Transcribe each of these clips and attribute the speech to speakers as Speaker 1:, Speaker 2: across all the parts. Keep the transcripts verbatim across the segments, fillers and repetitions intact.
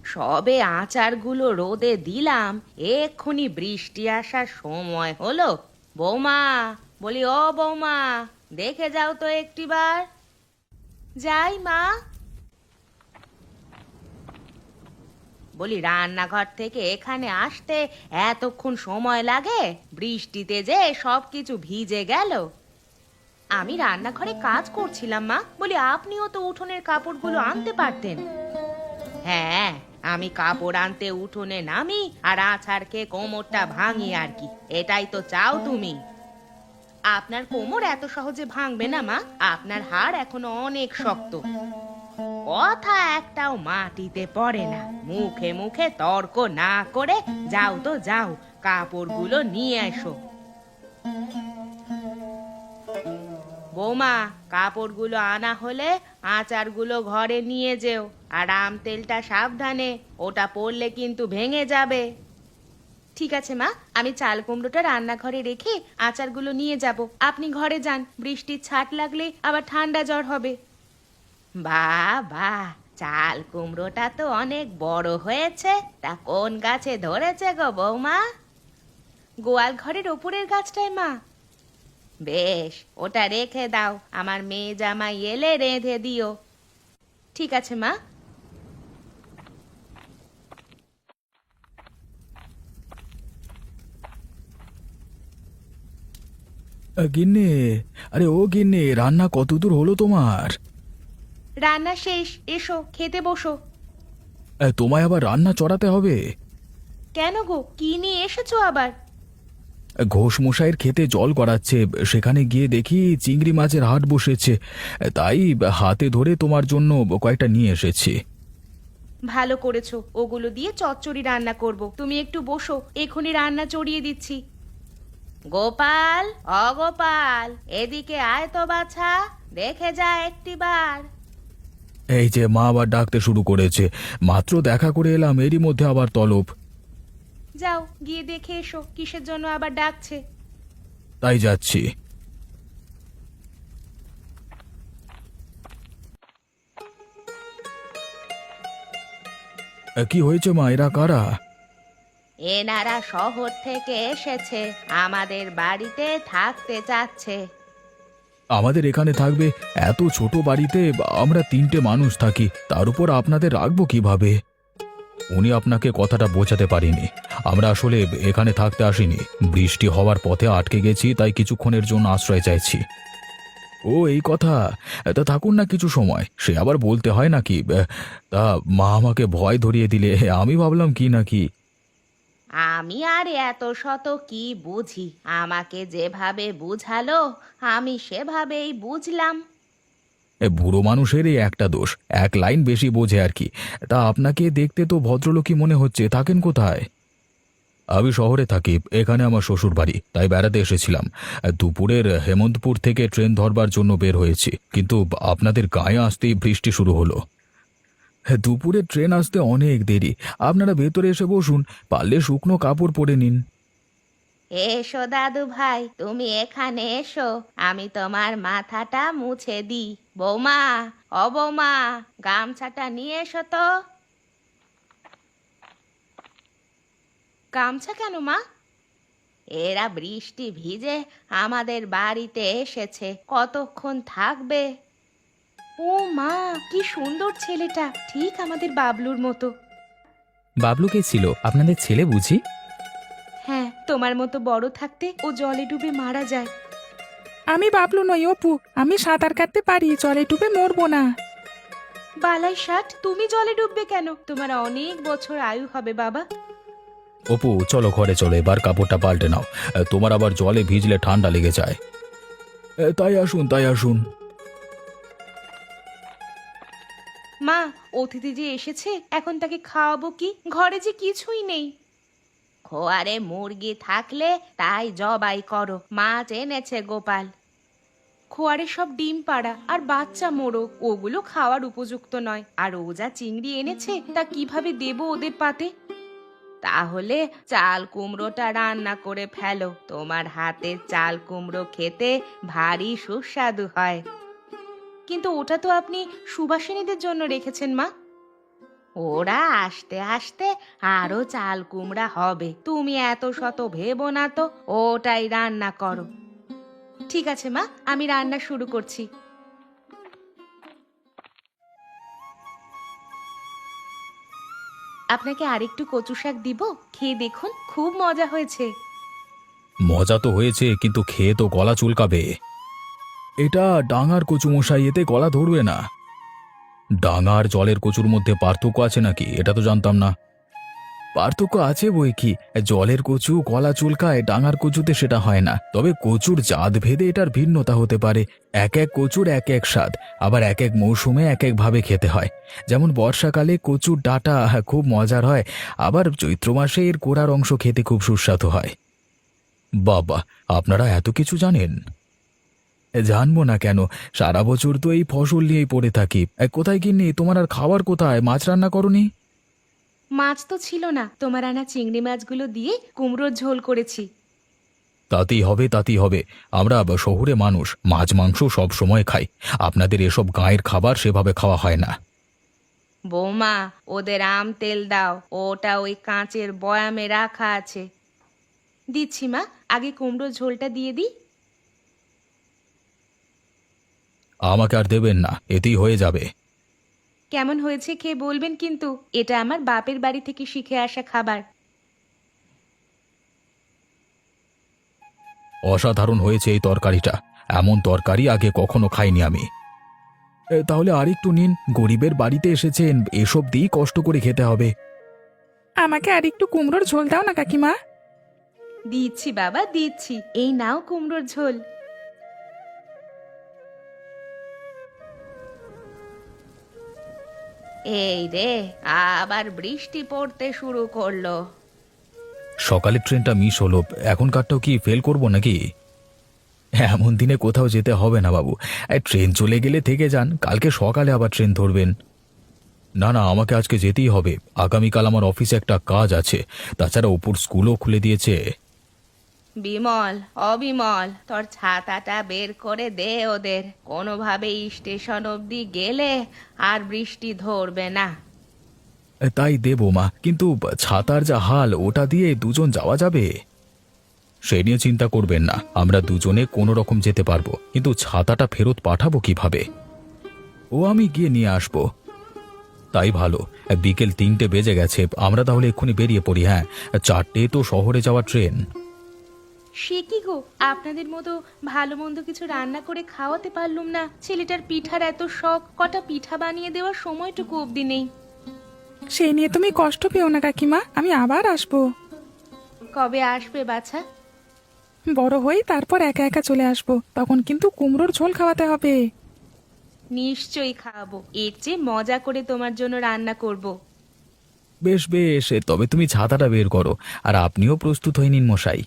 Speaker 1: সবে আচারগুলো রোদে দিলাম, এক্ষুনি বৃষ্টি আসার সময় হলো। বৌমা, বলি ও বৌমা, দেখে যাও তো একটিবার। যাই মা। বলি রান্নাঘর থেকে এখানে আসতে এতক্ষণ সময় লাগে? বৃষ্টিতে যে সবকিছু ভিজে গেল। আমি রান্নাঘরে কাজ করছিলাম মা, বলি আপনিও তো উঠোনের কাপড়গুলো আনতে পারতেন। হ্যাঁ, আমি কাপড় আনতে উঠোনে নামি আর আছাড়কে কোমরটা ভাঙি আর কি, এটাই তো চাও তুমি? আপনার কোমর এত সহজে ভাঙবে না মা, আপনার হাড় এখনো অনেক শক্ত। কথা একটাও মাটিতে পড়ে না। মুখে মুখে তর্ক না করে যাও তো যাও, কাপড়গুলো নিয়ে এসো। বৌমা, কাপড়গুলো আনা হলে আচারগুলো ঘরে নিয়ে যেও, আর আম তেলটা সাবধানে, ওটা পড়লে কিন্তু ভেঙে যাবে। ঠিক আছে মা, আমি চাল কুমড়োটা রান্নাঘরে রেখে আচারগুলো নিয়ে যাব। আপনি ঘরে যান, বৃষ্টির ছাট লাগলে আবার ঠান্ডা জ্বর হবে। বাহ বাহ, চাল কুমড়োটা তো অনেক বড় হয়েছে। তা কোন গাছে ধরেছে গো বৌমা? গোয়াল ঘরের ওপরের গাছটায় মা। বেশ, ওটা রেখে দাও, আমার মেয়ে জামাই এলে রেঁধে দিও। ঠিক আছে মা।
Speaker 2: আ, গিন্নি। আরে ও গিন্নি, রান্না কতদূর হলো তোমার?
Speaker 1: রান্না শেষ, এসো খেতে বসো।
Speaker 2: আ, তোমায় আবার রান্না চড়াতে হবে?
Speaker 1: কেন গো, কি নিয়ে এসেছো আবার?
Speaker 2: ঘোষ মশাইয়ের খেতে জল গড়াচ্ছে, সেখানে গিয়ে দেখি চিংড়ি মাছের হাট বসেছে, তাই হাতে ধরে তোমার জন্য কয়েকটা নিয়ে এসেছি।
Speaker 1: ভালো করেছো, ওগুলো দিয়ে চচ্চড়ি রান্না করব। তুমি একটু বসো, এখনই রান্না চড়িয়ে দিচ্ছি। গোপাল, অগোপাল, এদিকে আয় তো বাছা, দেখে যা একটিবার।
Speaker 2: এই যে মা আবার ডাকতে শুরু করেছে, মাত্র দেখা করে এলাম, এরই মধ্যে আবার তলব।
Speaker 1: যাও গিয়ে দেখে এসো কিসের জন্য আবার ডাকছে।
Speaker 2: তাই যাচ্ছি। আ, কি হয়েছে মা, এরা কারা?
Speaker 1: এনারা শহর থেকে এসেছে, আমাদের বাড়িতে থাকতে চাচ্ছে।
Speaker 2: আমাদের এখানে থাকবে? এত ছোট বাড়িতে আমরা তিনটে মানুষ থাকি, তার উপর আপনাদের রাখবো কিভাবে? উনি আপনাকে কথাটা বোঝাতে পারিনি। আমরা আসলে এখানে থাকতে আসিনি, বৃষ্টি হওয়ার পথে আটকে গেছি, তাই কিছুক্ষণের জন্য আশ্রয় চাইছি। ও এই কথা। তা থাকুন না কিছু সময়, সে আবার বলতে হয় নাকি? তা মা আমাকে ভয় ধরিয়ে দিলে, আমি ভাবলাম কি নাকি।
Speaker 1: আমি আর এত শত কি বুঝি, আমাকে যেভাবে বুঝালো আমি সেভাবেই বুঝলাম।
Speaker 2: এ বুড়ো মানুষের এই একটা দোষ, এক লাইন বেশি বোঝে আর কি। তা আপনাকে দেখতে তো ভদ্রলোকই মনে হচ্ছে, থাকেন কোথায়? আমি শহরে থাকি, এখানে আমার শ্বশুর বাড়ি, তাই বেড়াতে এসেছিলাম। দুপুরের হেমন্তপুর থেকে ট্রেন ধরবার জন্য বের হয়েছি, কিন্তু আপনাদের গায়ে আসতেই বৃষ্টি শুরু হলো। দুপুরে ট্রেন আসতে অনেক দেরি, আপনারা ভেতরে এসে বসুন, পারলে শুকনো কাপড় পরে নিন।
Speaker 1: এসো দাদু ভাই, তুমি এখানে এসো, আমি তোমার মাথাটা মুছে দিই। বৌমা, ও বৌমা, গামছাটা নিয়ে এসো তো। গামছা কেন মা? এরা বৃষ্টি ভিজে আমাদের বাড়িতে এসেছে, কতক্ষণ থাকবে? ও মা, কি সুন্দর ছেলেটা, ঠিক আমাদের বাবলুর মতো।
Speaker 3: বাবলু কে ছিল? আপনাদের ছেলে বুঝি?
Speaker 1: হ্যাঁ, তোমার মতো বড় থাকতে ও জলে ডুবে মারা যায়।
Speaker 4: আমি বাবলু নই, অপু। আমি সাঁতার কাটতে পারি, জলে ডুবে মরবো না।
Speaker 1: বালাই ষাট, তুমি জলে ডুববে কেন? তোমার অনেক বছর আয়ু হবে বাবা।
Speaker 2: অপু চলো ঘরে চলো, এবার কাপড়টা পাল্টে নাও, তোমার আবার জলে ভিজলে ঠান্ডা লেগে যায়। তাই আসুন, তাই আসুন।
Speaker 1: মা, অতিথি যে এসেছে, এখন তাকে খাওয়াবো কি? ঘরে যে কিছুই নেই। খোয়ারে মুরগি থাকলে তাই জবাই করো, মাছ এনেছে গোপাল। খোয়ারে সব ডিম পাড়া আর বাচ্চা মোরগ, ওগুলো খাওয়ার উপযুক্ত নয়। আর ও যা চিংড়ি এনেছে, তা কিভাবে দেবো ওদের পাতে? তাহলে চাল কুমড়োটা রান্না করে ফেলো, তোমার হাতের চাল কুমড়ো খেতে ভারী সুস্বাদু হয়। কিন্তু ওটা তো আপনি সুবাসিনীদের জন্য রেখেছেন মা। ওরা আসতে আসতে আরো চাল কুমড়া হবে, তুমি এত শত ভেবো না তো, ওটাই রান্না করো। ঠিক আছে মা, আমি রান্না শুরু করছি। আপনাকে আরেকটু কচু শাক দিব, খেয়ে দেখুন, খুব মজা হয়েছে।
Speaker 2: মজা তো হয়েছে, কিন্তু খেয়ে তো গলা চুলকাবে। এটা ডাঙার কচু মশাই, এতে গলা ধরবে না। ডাঙার জলের কচুর মধ্যে পার্থক্য আছে নাকি? এটা তো জানতাম না। পার্থক্য আছে বই কি, জলের কচু গলা চুলকায়, ডাঙার কচুতে সেটা হয় না। তবে কচুর জাত ভেদে এটার ভিন্নতা হতে পারে। এক এক কচুর এক এক স্বাদ, আবার এক এক মৌসুমে এক এক ভাবে খেতে হয়। যেমন বর্ষাকালে কচুর ডাঁটা খুব মজার হয়, আবার চৈত্র মাসে এর কোড়ার অংশ খেতে খুব সুস্বাদু হয়। বাবা, আপনারা এত কিছু জানেন? জানবো না কেন, সারা বছর তো এই ফসল নিয়েই পড়ে থাকি। এ, কোথায় গিন্নি, তোমার আর খাবার কোথায়? মাছ রান্না করনি?
Speaker 1: মাছ তো ছিল না, তোমার আনা চিংড়ি মাছগুলো দিয়ে কুমড়োর ঝোল করেছি।
Speaker 2: তাতেই হবে, তাতেই হবে। আমরা আবার শহুরে মানুষ, মাছ মাংস সব সময় খাই। আপনাদের এসব গাঁয়ের খাবার সেভাবে খাওয়া হয় না।
Speaker 1: বৌমা, ওদের আম তেল দাও, ওটা ওই কাঁচের বয়ামে রাখা আছে। দিচ্ছি মা, আগে কুমড়োর ঝোলটা দিয়ে দিই।
Speaker 2: আমাকে আর দেবেন না, এতেই হয়ে যাবে।
Speaker 1: কেমন হয়েছে খেয়ে বলবেন কিন্তু, এটা আমার বাপের বাড়ি থেকে শিখে আসা খাবার।
Speaker 2: অসাধারণ হয়েছে এই তরকারিটা। এমন তরকারি আগে কখনো খাইনি আমি। এ, তাহলে আরেকটু নিন, গরিবের বাড়িতে এসেছেন, এসব দিয়েই কষ্ট করে খেতে হবে।
Speaker 4: আমাকে আর একটু কুমড়োর ঝোল দাও না কাকিমা।
Speaker 1: দিচ্ছি বাবা, দিচ্ছি, এই নাও কুমড়োর ঝোল। এই রে, আবার বৃষ্টি পড়তে শুরু করলো।
Speaker 2: সকালের ট্রেনটা মিস হলো, এখনকারটাও কি ফেল করব নাকি? এমন দিনে কোথাও যেতে হবে না বাবু। এই ট্রেন চলে গেলে থেকে যান, কালকে সকালে আবার ট্রেন ধরবেন। না না, আমাকে আজকে যেতেই হবে। আগামীকাল আমার অফিসে একটা কাজ আছে। তাছাড়া অপুর স্কুলও খুলে দিয়েছে।
Speaker 1: বিমল, অবিমল, তোর ছাতাটা বের করে দে ওদের। কোনোভাবে স্টেশন অবধি গেলে আর বৃষ্টি ধরবে না।
Speaker 2: তাই দেবো মা, কিন্তু ছাতার যা হাল, ওটা দিয়ে দুজন যাওয়া যাবে? সে নিয়ে চিন্তা করবেন না, আমরা দুজনে কোনো রকম যেতে পারবো, কিন্তু ছাতাটা ফেরত পাঠাবো কিভাবে? ও আমি গিয়ে নিয়ে আসবো। তাই ভালো। বিকেল তিনটে বেজে গেছে, আমরা তাহলে এক্ষুনি বেরিয়ে পড়ি। হ্যাঁ, চারটে তো শহরে যাওয়ার ট্রেন।
Speaker 1: সে কি গো, আপনাদের মতো ভালো মন্দ কিছু রান্না করে খাওয়াতে পারলুম না। ছেলেটার পিঠার এত শখ, কটা পিঠা বানিয়ে দেওয়ার সময়টুকু অবধি নেই।
Speaker 4: সেই নিয়ে তুমি কষ্ট পেও না কাকিমা, আমি আবার আসবো।
Speaker 1: কবে আসবে বাছা?
Speaker 4: বড় হই তারপর একা একা চলে আসবো, তখন কিন্তু কুমড়োর ঝোল খাওয়াতে হবে।
Speaker 1: নিশ্চয়ই খাওয়াবো, এর চেয়ে মজা করে তোমার জন্য রান্না করব।
Speaker 2: বেশ বেশ, তবে তুমি ছাতাটা বের করো, আর আপনিও প্রস্তুত হয়ে নিন মশাই।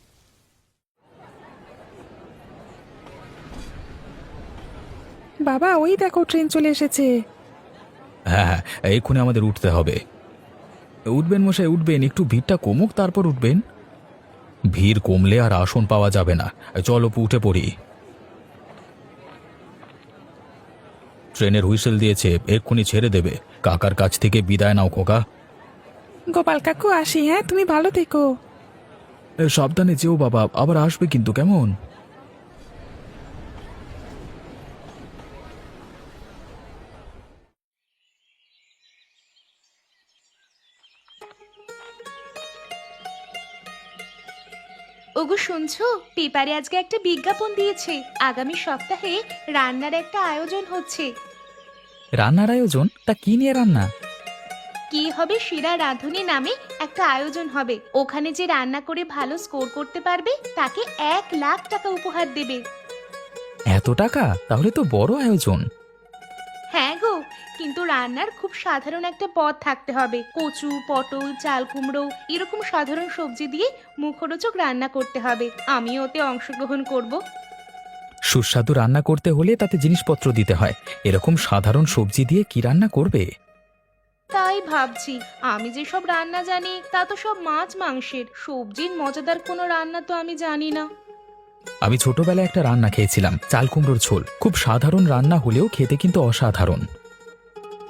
Speaker 4: বাবা, ওই দেখো ট্রেন চলে এসেছে।
Speaker 2: হ্যাঁ হ্যাঁ, এক্ষুনি আমাদের উঠতে হবে। উঠবেন মশাই, উঠবেন, একটু ভিড়টা কমুক তারপর উঠবেন। ভিড় কমলে আর আসন পাওয়া যাবে না। চলো অপু, উঠে পড়ি। ট্রেনের হুইসেল দিয়েছে, এক্ষুনি ছেড়ে দেবে। কাকার কাছ থেকে বিদায় নাও খোকা।
Speaker 4: গোপাল কাকু, আসি। হ্যাঁ, তুমি ভালো থেকো।
Speaker 2: এ, সাবধানে যেও বাবা, আবার আসবে কিন্তু, কেমন?
Speaker 1: ওগো শুনছো, পেপারে আজকে একটা বিজ্ঞাপন দিয়েছে, আগামী সপ্তাহে রান্নার একটা আয়োজন হচ্ছে।
Speaker 3: রান্নার আয়োজন? তা কি নিয়ে রান্না?
Speaker 1: কি হবে, শিরা রাঁধুনি নামে একটা আয়োজন হবে। ওখানে যে রান্না করে ভালো স্কোর করতে পারবে তাকে এক লাখ টাকা উপহার দেবে।
Speaker 3: এত টাকা? তাহলে তো বড় আয়োজন।
Speaker 1: হ্যাঁ গো, কিন্তু রান্নার খুব সাধারণ একটা পদ থাকতে হবে। কচু, পটল, চাল কুমড়ো এরকম সাধারণ সবজি দিয়ে মুখরোচক রান্না করতে হবে। আমিও ওতে অংশগ্রহণ করব।
Speaker 3: সুস্বাদু রান্না করতে হলে তাতে জিনিসপত্র দিতে হয়। এরকম সাধারণ সবজি দিয়ে কি রান্না করবে?
Speaker 1: তাই ভাবছি, আমি যে সব রান্না জানি তা তো সব মাছ মাংসের, সবজির মজাদার কোনো রান্না তো আমি জানি না।
Speaker 3: আমি ছোটবেলায় একটা রান্না খেয়েছিলাম, চাল কুমড়োর ঝোল। খুব সাধারণ রান্না হলেও খেতে কিন্তু অসাধারণ।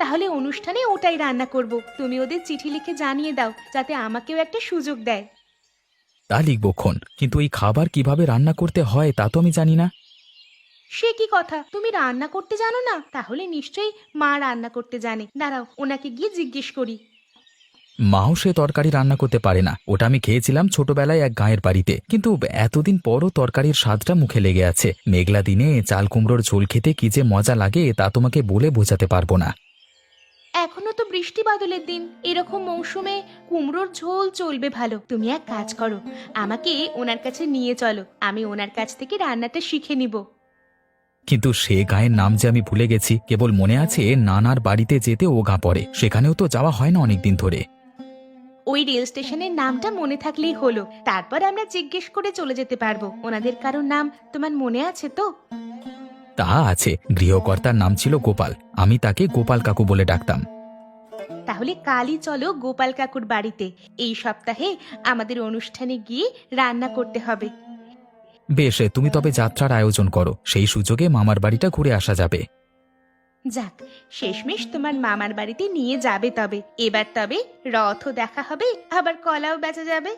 Speaker 1: তাহলে অনুষ্ঠানে ওটাই রান্না করব। তুমি ওদের চিঠি লিখে জানিয়ে দাও যাতে আমাকেও একটা সুযোগ দেয়।
Speaker 3: তা লিখবক্ষণ, কিন্তু এই খাবার কিভাবে রান্না করতে হয় তা তো আমি জানি না।
Speaker 1: সে কি কথা, তুমি রান্না করতে জানো না? তাহলে নিশ্চয়ই মা রান্না করতে জানে। দাঁড়াও, ওনাকে গিয়ে জিজ্ঞেস করি।
Speaker 3: মাও সে তরকারি রান্না করতে পারে না। ওটা আমি খেয়েছিলাম ছোটবেলায় এক গাঁয়ের বাড়িতে, কিন্তু এতদিন পরও তরকারির স্বাদটা মুখে লেগে আছে। মেঘলা দিনে চাল কুমড়োর ঝোল খেতে কি যে মজা লাগে তা তোমাকে বলে বোঝাতে পারবো না।
Speaker 1: এখনো তো বৃষ্টি বাদলের দিন, এরকম মৌসুমে কুমড়োর ঝোল চলবে ভালো। তুমি এক কাজ করো, আমাকে ওনার কাছে নিয়ে চলো, আমি ওনার কাছ থেকে রান্নাটা শিখে নিব।
Speaker 3: কিন্তু সে গাঁয়ের নাম যে আমি ভুলে গেছি। কেবল মনে আছে নানার বাড়িতে যেতে ও গাঁ পড়ে, সেখানেও তো যাওয়া হয় না অনেকদিন ধরে।
Speaker 1: ওই রেল স্টেশনের নামটা মনে থাকলেই হলো, তারপর আমরা জিজ্ঞেস করে চলে যেতে পারবো। ওনাদের কারোর নাম তোমার মনে আছে তো?
Speaker 3: তা আছে, গৃহকর্তার নাম ছিল গোপাল। আমি তাকে গোপাল কাকু বলে ডাকতাম।
Speaker 1: তাহলে কালই চলো গোপাল কাকুর বাড়িতে। এই সপ্তাহে আমাদের অনুষ্ঠানে গিয়ে রান্না করতে হবে।
Speaker 3: বেশ, তুমি তবে যাত্রার আয়োজন করো, সেই সুযোগে মামার বাড়িটা ঘুরে আসা যাবে।
Speaker 1: যাক, শেষমেশ তোমার মামার বাড়িতে নিয়ে যাবে। তবে এবার তবে রথও দেখা হবে, আবার কলাও বেচা যাবে।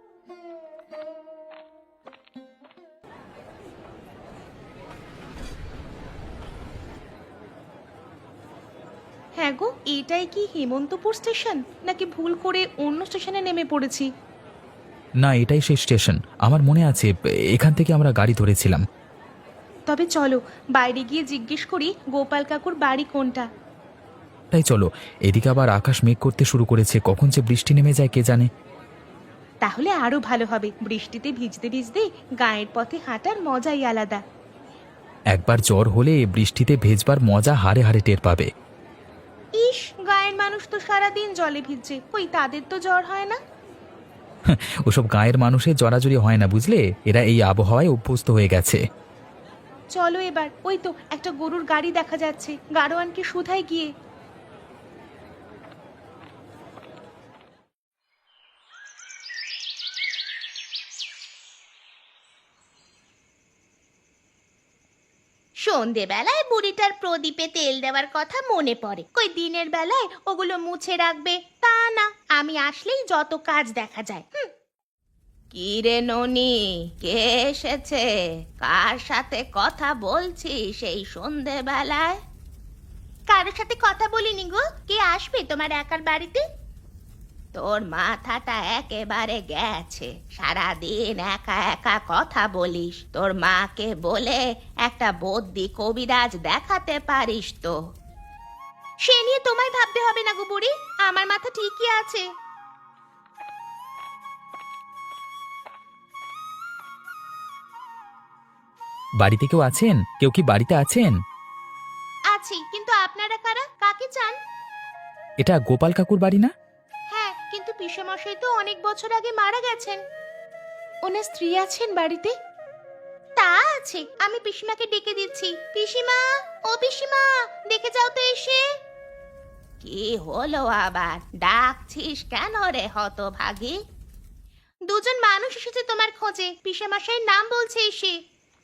Speaker 1: হ্যাঁ গো, এটাই কি হেমন্তপুর স্টেশন, নাকি ভুল করে অন্য স্টেশনে নেমে পড়েছি?
Speaker 3: না, এটাই সেই স্টেশন। আমার মনে আছে এখান থেকে আমরা গাড়ি ধরেছিলাম।
Speaker 1: তবে চলো বাইরে গিয়ে জিজ্ঞেস করি গোপাল কাকুর বাড়ি কোনটা।
Speaker 3: তাই চলো, এদিকে আবার আকাশ মেঘ করতে শুরু করেছে, কখন যে বৃষ্টি নেমে যায় কে জানে।
Speaker 1: তাহলে আরো ভালো হবে, বৃষ্টিতে ভিজতে ভিজতে গায়ের পথে হাঁটার মজাই আলাদা।
Speaker 3: একবার জ্বর হলে বৃষ্টিতে ভেজবার মজা হারে হারে টের পাবে।
Speaker 1: ইস, গায়ের মানুষ তো সারাদিন জলে ভিজছে, ওই তাদের তো জ্বর হয় না?
Speaker 3: ওসব গায়ের মানুষের জড়াজড়ি হয় না বুঝলে, এরা এই আবহাওয়ায় অভ্যস্ত হয়ে গেছে।
Speaker 1: চলো এবার, ওই তো একটা গরুর গাড়ি দেখা যাচ্ছে, গাড়োয়ানকে শুধাই গিয়ে। সন্ধেবেলায় বুড়িটার প্রদীপে তেল দেওয়ার কথা মনে পড়ে। কই দিনের বেলায় ওগুলো মুছে রাখবে তা না, আমি আসলেই যত কাজ দেখা যায়। হুম। কি রে ননি, কে এসেছে? কার সাথে কথা বলছিস এই সন্ধেবেলায়? কারোর সাথে কথা বলিনি গো। কে আসবে তোমার একার বাড়িতে? তোর মাথাটা একেবারে গেছে, সারাদিন একা একা কথা বলিস। তোর মাকে বলে একটা বদ্যি কবিরাজ দেখাতে পারিস তো। সে নিয়ে তোমায় ভাবতে হবে না গো বুড়ি, আমার মাথা ঠিকই আছে।
Speaker 3: বাড়িতে কেউ আছেন? কেউ কি বাড়িতে আছেন?
Speaker 1: আছি, কিন্তু আপনারা কারা? কাকে চান?
Speaker 3: এটা গোপাল কাকুর বাড়ি না?
Speaker 1: হ্যাঁ, কিন্তু পিসেমশাই তো অনেক বছর আগে মারা গেছেন। ওনার স্ত্রী আছেন বাড়িতে? তা আছে, আমি পিসিমাকে ডেকে দিচ্ছি। পিসিমা, ও পিসিমা, দেখে যাও তো এসে। কি হলো আবার, ডাকছিস কেন রে হতভাগী? দুজন মানুষ এসেছে তোমার খোঁজে, পিসেমশাইয়ের নাম বলছে এসে।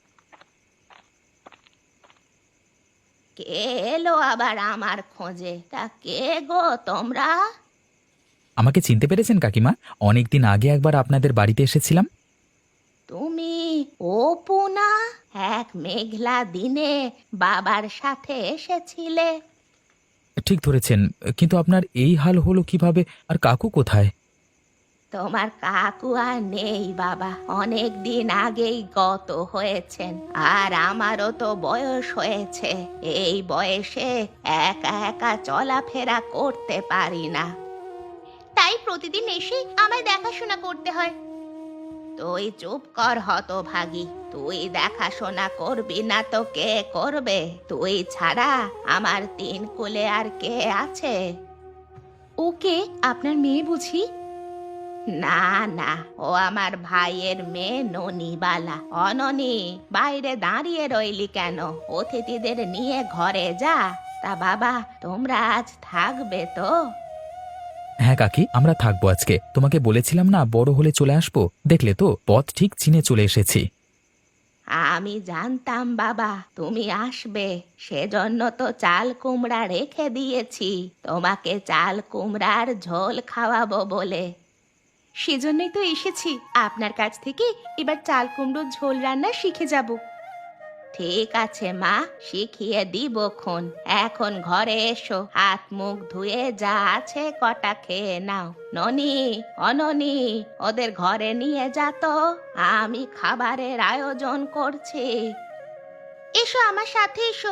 Speaker 1: কে এলো আবার আমার খোঁজে? তা কে গো তোমরা?
Speaker 3: আমাকে চিনতে পেরেছেন কাকিমা? অনেকদিন আগে একবার আপনাদের বাড়িতে এসেছিলাম।
Speaker 1: তুমি অপু না? এক মেঘলা দিনে বাবার সাথে এসেছিলে।
Speaker 3: ঠিক ধরেছেন, কিন্তু আপনার এই হাল হলো কিভাবে? আর কাকু কোথায়?
Speaker 1: তোমার কাকু আর নেই বাবা, অনেক দিন আগেই গত হয়েছেন। আর আমারও তো বয়স হয়েছে, এই বয়সে একা একা চলাফেরা করতে পারি না, তাই প্রতিদিন এসে আমায় দেখাশোনা করতে হয়। তুই চুপ কর হতভাগী, তুই দেখাশোনা করবি না তো কে করবে? তুই ছাড়া আমার তিন কুলে আর কে আছে? ওকে, আপনার মেয়ে বুঝি? না না, ও আমার ভাইয়ের মেয়ে ননিবালা। অননি, বাইরে দাঁড়িয়ে রইলি কেন? অতিথিদের নিয়ে ঘরে যা। তা বাবা, তোমরা আজ থাকবে তো?
Speaker 3: হ্যাঁ কাকি, আমরা থাকবো আজকে। তোমাকে বলেছিলাম না বড় হলে চলে আসবো, দেখলে তো পথ ঠিক চিনে চলে এসেছি।
Speaker 1: আমি জানতাম বাবা তুমি আসবে, সেজন্য তো চাল কুমড়া রেখে দিয়েছি তোমাকে চাল কুমড়ার ঝোল খাওয়াবো বলে। সেজন্যই তো এসেছি আপনার কাছ থেকে, এবার চাল কুমড়োর ঝোল রান্না শিখে যাব। ঠিক আছে মা, শিখিয়ে দিবক্ষণ। এখন ঘরে এসো, হাত মুখ ধুয়ে যা আছে কটা খেয়ে নাও। ননি, অননি, ওদের ঘরে নিয়ে যা তো, আমি খাবারের আয়োজন করছি। এসো আমার সাথে এসো।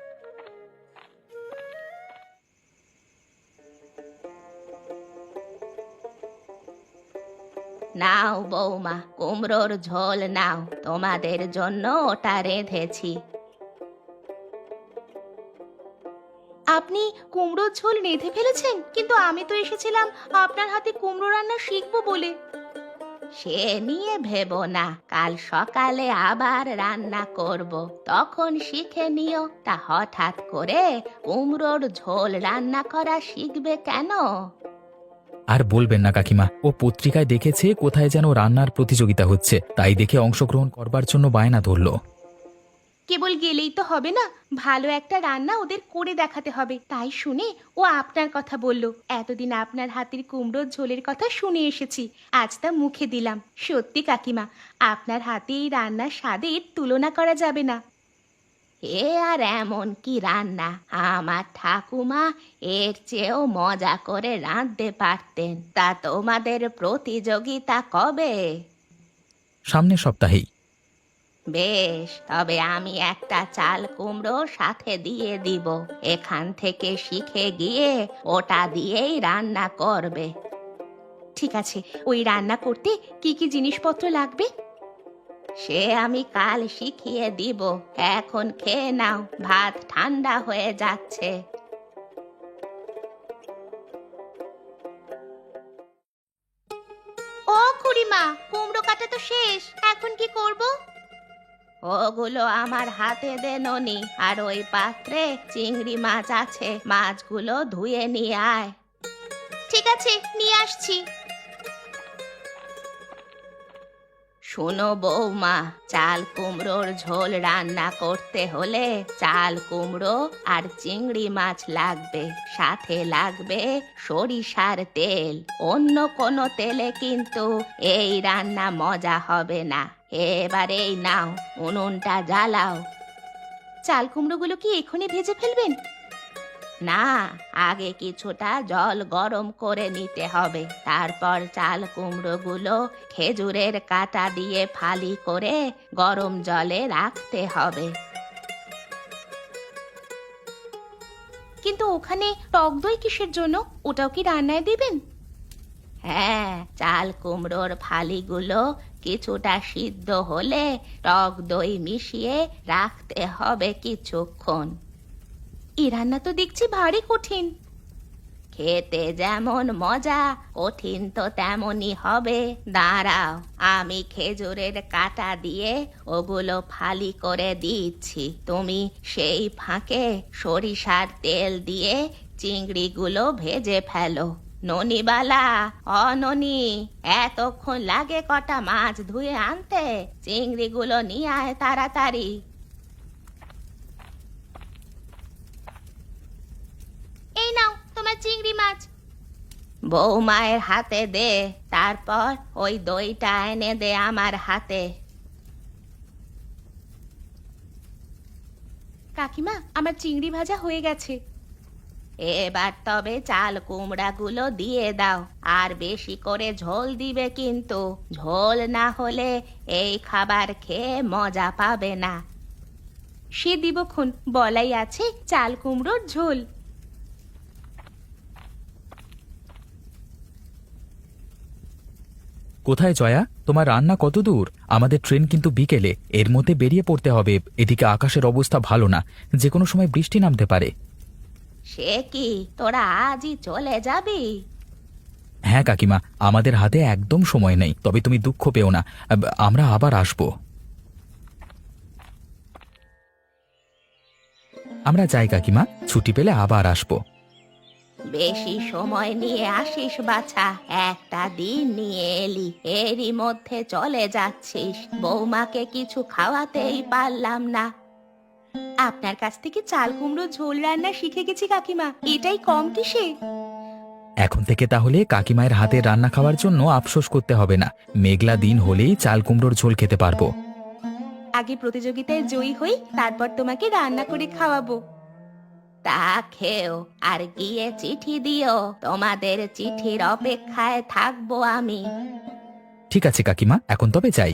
Speaker 1: নাও বৌমা, কুমড়োর ঝোল নাও, তোমাদের জন্য ওটা রেঁধেছি। আপনি কুমড়োর ঝোল রেঁধে ফেলেছেন? কিন্তু আমি তো এসেছিলাম আপনার হাতে কুমড়ো রান্না শিখবো বলে। সে নিয়ে ভেবো না, কাল সকালে আবার রান্না করব, তখন শিখে নিও। তা হঠাৎ করে কুমড়োর ঝোল রান্না করা শিখবে কেন?
Speaker 3: আর বলবেন না কাকিমা, ও পত্রিকায় দেখেছে কোথায় যেন রান্নার প্রতিযোগিতা হচ্ছে, তাই দেখে অংশগ্রহণ করবার জন্য বায়না ধরলো।
Speaker 1: কেবল গেলেই তো হবে না, ভালো একটা রান্না ওদের করে দেখাতে হবে। তাই শুনে ও আপনার কথা বলল। এতদিন আপনার হাতের কুমড়োর ঝোলের কথা শুনে এসেছি, আজ তা মুখে দিলাম। সত্যি কাকিমা, আপনার হাতে এই রান্নার স্বাদের তুলনা করা যাবে না। এ আর এমন কি রান্না, আমার ঠাকুমা এর চেয়েও মজা করে রাঁধতে পারতেন। তা তোমাদের প্রতিযোগিতা কবে?
Speaker 3: সামনের সপ্তাহেই।
Speaker 1: বেশ, তবে আমি একটা চাল কুমড়ো সাথে দিয়ে দিব। এখান থেকে শিখে গিয়ে ওটা দিয়েই রান্না করবে। ঠিক আছে, ওই রান্না করতে কি কি জিনিসপত্র লাগবে? সে আমি কাল শিখিয়ে দিব, এখন খেয়ে নাও, ভাত ঠান্ডা হয়ে যাচ্ছে। ও খুড়িমা, কুমড়ো কাটা তো শেষ, এখন কি করব? ওগুলো আমার হাতে দে ননি, আর ওই পাত্রে চিংড়ি মাছ আছে, মাছগুলো ধুয়ে নিয়ে আয়। ঠিক আছে, নিয়ে আসছি। শোনো বৌমা, চাল কুমড়োর ঝোল রান্না করতে হলে চাল কুমড়ো আর চিংড়ি মাছ লাগবে, সাথে লাগবে সরিষার তেল। অন্য কোনো তেলে কিন্তু এই রান্না মজা হবে না। এবার এই নাও, উনুনটা জ্বালাও। চাল কুমড়োগুলো কি এখনই ভেজে ফেলবেন? না, আগে কিছুটা জল গরম করে নিতে হবে, তারপর চাল কুমড়োগুলো খেজুরের কাঁটা দিয়ে ফালি করে গরম জলে রাখতে হবে। কিন্তু ওখানে টক দই কিসের জন্য? ওটাও কি রান্নায় দিবেন? হ্যাঁ, চাল কুমড়োর ফালিগুলো কিছুটা সিদ্ধ হলে টক দই মিশিয়ে রাখতে হবে কিছুক্ষণ। এ রান্না তো দেখছি ভারী কঠিন। খেতে যেমন মজা, কঠিন তো তেমনই হবে। দাঁড়াও, আমি খেজুরের কাঁটা দিয়ে ওগুলো ফালি করে দিচ্ছি, তুমি সেই ফাঁকে সরিষার তেল দিয়ে চিংড়িগুলো ভেজে ফেলো। ননিবালা, অননি, এতক্ষণ লাগে কটা মাছ ধুয়ে আনতে? চিংড়িগুলো নিয়ে আয় তাড়াতাড়ি। এই নাও তোমার চিংড়ি মাছ। বৌমায়ের হাতে দে, তারপর ওই দইটা এনে দে আমার হাতে। কাকিমা, আমার চিংড়ি ভাজা হয়ে গেছে। এবার তবে চাল কুমড়াগুলো দিয়ে দাও, আর বেশি করে ঝোল দিবে কিন্তু। ঝোল না হলে এই খাবার খেয়ে মজা পাবে না। সে দিবক্ষণ, বলাই আছে চাল কুমড়োর ঝোল।
Speaker 3: কোথায় জয়া, তোমার রান্না কত দূর? আমাদের ট্রেন কিন্তু বিকেলে, এর মধ্যে বেরিয়ে পড়তে হবে। এদিকে আকাশের অবস্থা ভালো না, যে কোনো সময় বৃষ্টি নামতে পারে।
Speaker 1: সে কি, তোরা আজই চলে যাবি?
Speaker 3: হ্যাঁ কাকিমা, আমাদের হাতে একদম সময় নেই, তবে তুমি দুঃখ পেও না, আব- আমরা আবার আসব। আমরা যাই কাকিমা, ছুটি পেলে আবার আসব।
Speaker 1: বেশি সময় নিয়ে আসিস বাছা, একটা দিন নিয়ে এলি, এরই মধ্যে চলে যাচ্ছিস। বৌমাকে কিছু খাওয়াতেই পারলাম না। আপনার কাছ থেকে চাল কুমড়ো ঝোল রান্না শিখে গেছি কাকিমা, এটাই কম কিসে?
Speaker 3: এখন থেকে তাহলে কাকিমায়ের হাতে রান্না খাওয়ার জন্য আফসোস করতে হবে না। মেঘলা দিন হলেই চাল কুমড়োর ঝোল খেতে পারবো।
Speaker 1: আগে প্রতিযোগিতায় জয়ী হই, তারপর তোমাকে রান্না করে খাওয়াবো। তা খেও, আর গিয়ে চিঠি দিও। তোমাদের চিঠির অপেক্ষায় থাকবো আমি।
Speaker 3: ঠিক আছে কাকিমা, এখন তবে যাই।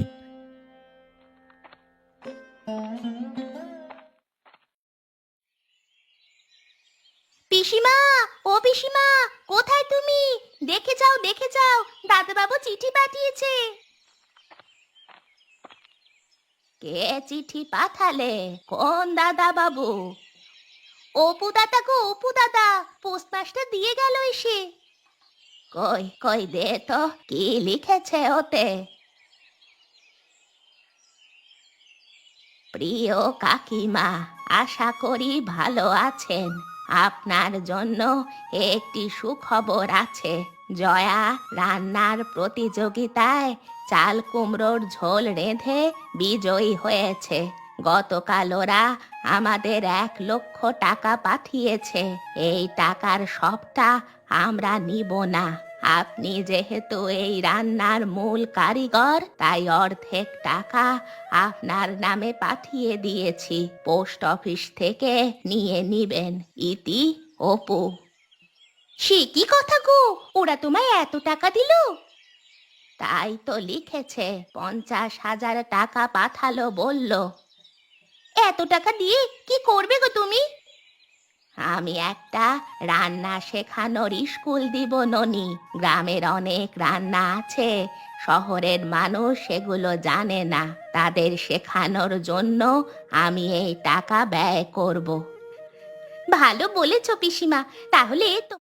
Speaker 1: পিসিমা, ও পিসিমা, কোথায় তুমি? দেখে যাও, দেখে যাও, দাদাবাবু চিঠি পাঠিয়েছে। কে চিঠি পাঠালে? কোন দাদা বাবু? অপু দাদা গো, অপু দাদা, পোস্টমাস্টার দিয়ে গেল এসে। কই কই দে তো, কি লিখেছে ওতে? প্রিয় কাকিমা, আশা করি ভালো আছেন। আপনার জন্য একটি সুখবর আছে। জয়া রান্নার প্রতিযোগিতায় চাল কুমড়োর ঝোল রেঁধে বিজয়ী হয়েছে। গতকাল ওরা আমাদের এক লক্ষ টাকা পাঠিয়েছে। এই টাকার সবটা আমরা নিব না। আপনি যেহেতু এই রান্নার মূল কারিগর, তাই অর্ধেক টাকা আপনার নামে পাঠিয়ে দিয়েছি। পোস্ট অফিস থেকে নিয়ে নিবেন। ইতি, অপু। সে কি কথা গো, ওরা তোমায় এত টাকা দিল? তাই তো লিখেছে, পঞ্চাশ হাজার টাকা পাঠালো বলল। এত টাকা দিয়ে কি করবে গো তুমি? আমি একটা রান্না শেখানোর স্কুল দিব ননি। গ্রামের অনেক রান্না আছে, শহরের মানুষ সেগুলো জানে না। তাদের শেখানোর জন্য আমি এই টাকা ব্যয় করব। ভালো বলেছ পিসিমা, তাহলে তো